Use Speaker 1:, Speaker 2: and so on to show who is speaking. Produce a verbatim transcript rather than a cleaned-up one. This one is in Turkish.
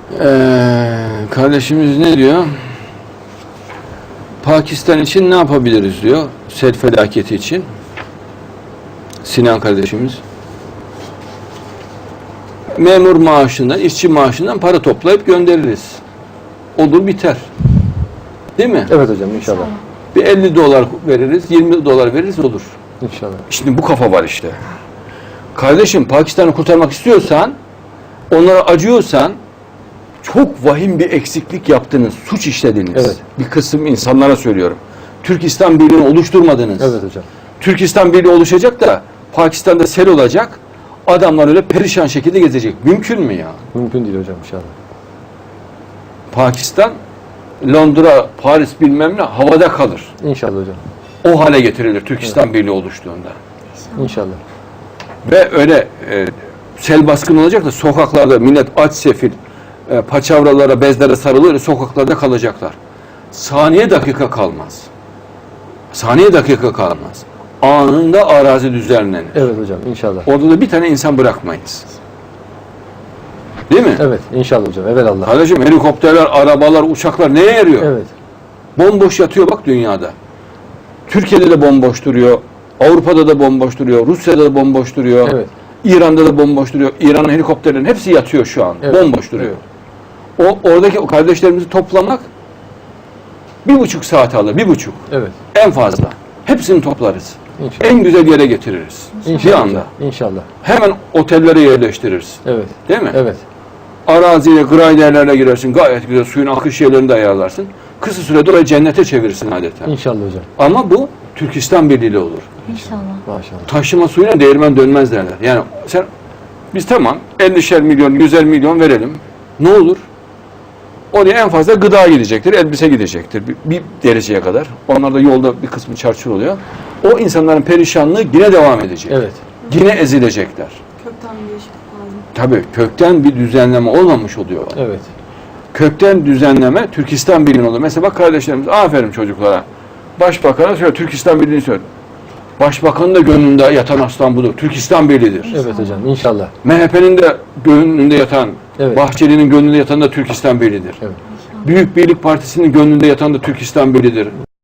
Speaker 1: Ee, kardeşimiz ne diyor? Pakistan için ne yapabiliriz diyor. Sel felaketi için. Sinan kardeşimiz. Memur maaşından, işçi maaşından para toplayıp göndeririz. Olur biter. Değil mi?
Speaker 2: Evet hocam inşallah.
Speaker 1: Bir elli dolar veririz, yirmi dolar veririz olur.
Speaker 2: İnşallah.
Speaker 1: Şimdi bu kafa var işte. Kardeşim Pakistan'ı kurtarmak istiyorsan, onlara acıyorsan çok vahim bir eksiklik yaptınız, suç işlediniz.
Speaker 2: Evet.
Speaker 1: Bir kısım insanlara söylüyorum. Türkistan Birliği'ni oluşturmadınız.
Speaker 2: Evet hocam.
Speaker 1: Türkistan Birliği oluşacak da Pakistan'da sel olacak. Adamlar öyle perişan şekilde gezecek. Mümkün mü ya?
Speaker 2: Mümkün değil hocam inşallah.
Speaker 1: Pakistan, Londra, Paris bilmem ne havada kalır.
Speaker 2: İnşallah hocam.
Speaker 1: O hale getirilir Türkistan Birliği oluştuğunda.
Speaker 2: İnşallah.
Speaker 1: Ve öyle e, sel baskını olacak da sokaklarda millet aç sefil, e, paçavralara, bezlere sarılır, sokaklarda kalacaklar. Saniye dakika kalmaz. Saniye dakika kalmaz. Anında arazi düzenlenir.
Speaker 2: Evet hocam inşallah.
Speaker 1: Orada da bir tane insan bırakmayız. Değil mi?
Speaker 2: Evet inşallah hocam. Evelallah.
Speaker 1: Kardeşim helikopterler, arabalar, uçaklar neye yarıyor?
Speaker 2: Evet.
Speaker 1: Bomboş yatıyor bak dünyada. Türkiye'de de bomboş duruyor. Avrupa'da da bomboş duruyor. Rusya'da da bomboş duruyor.
Speaker 2: Evet.
Speaker 1: İran'da da bomboş duruyor. İran'ın helikopterlerin hepsi yatıyor şu an.
Speaker 2: Evet.
Speaker 1: Bomboş duruyor. O oradaki o kardeşlerimizi toplamak bir buçuk saat alır. Bir buçuk.
Speaker 2: Evet.
Speaker 1: En fazla. Hepsini toplarız.
Speaker 2: İnşallah.
Speaker 1: En güzel yere getiririz.
Speaker 2: İnşallah.
Speaker 1: Bir anda.
Speaker 2: hocam, İnşallah.
Speaker 1: Hemen otellere yerleştiririz.
Speaker 2: Evet.
Speaker 1: Değil mi?
Speaker 2: Evet.
Speaker 1: Araziye, grayderlerle girersin. Gayet güzel suyun akış yerlerini de ayarlarsın. Kısa sürede orayı cennete çevirirsin adeta.
Speaker 2: İnşallah hocam.
Speaker 1: Ama bu Türkistan Birliği olur.
Speaker 3: İnşallah.
Speaker 2: Maşallah.
Speaker 1: Taşıma suyuna değirmen dönmez derler. Yani sen biz tamam ellişer milyon, yüzer milyon verelim. Ne olur? Oraya en fazla gıda gidecektir, elbise gidecektir bir, bir dereceye kadar. Onlar da yolda bir kısmı çarçur oluyor. O insanların perişanlığı yine devam edecek.
Speaker 2: Evet.
Speaker 1: Yine ezilecekler.
Speaker 3: Kökten bir değişiklik lazım.
Speaker 1: Tabii kökten bir düzenleme olmamış oluyor.
Speaker 2: Evet.
Speaker 1: Kökten düzenleme Türkistan Birliği olur. Mesela bak kardeşlerimiz aferin çocuklara. Başbakan'a söyle Türkistan Birliği'ni söyle. Başbakanın da gönlünde yatan aslan budur. Türkistan Birliği'dir.
Speaker 2: Evet hocam inşallah.
Speaker 1: M H P'nin de gönlünde yatan,
Speaker 2: Evet.
Speaker 1: Bahçeli'nin gönlünde yatan da Türkistan Birliği'dir.
Speaker 2: Evet.
Speaker 1: Büyük Birlik Partisi'nin gönlünde yatan da Türkistan Birliği'dir.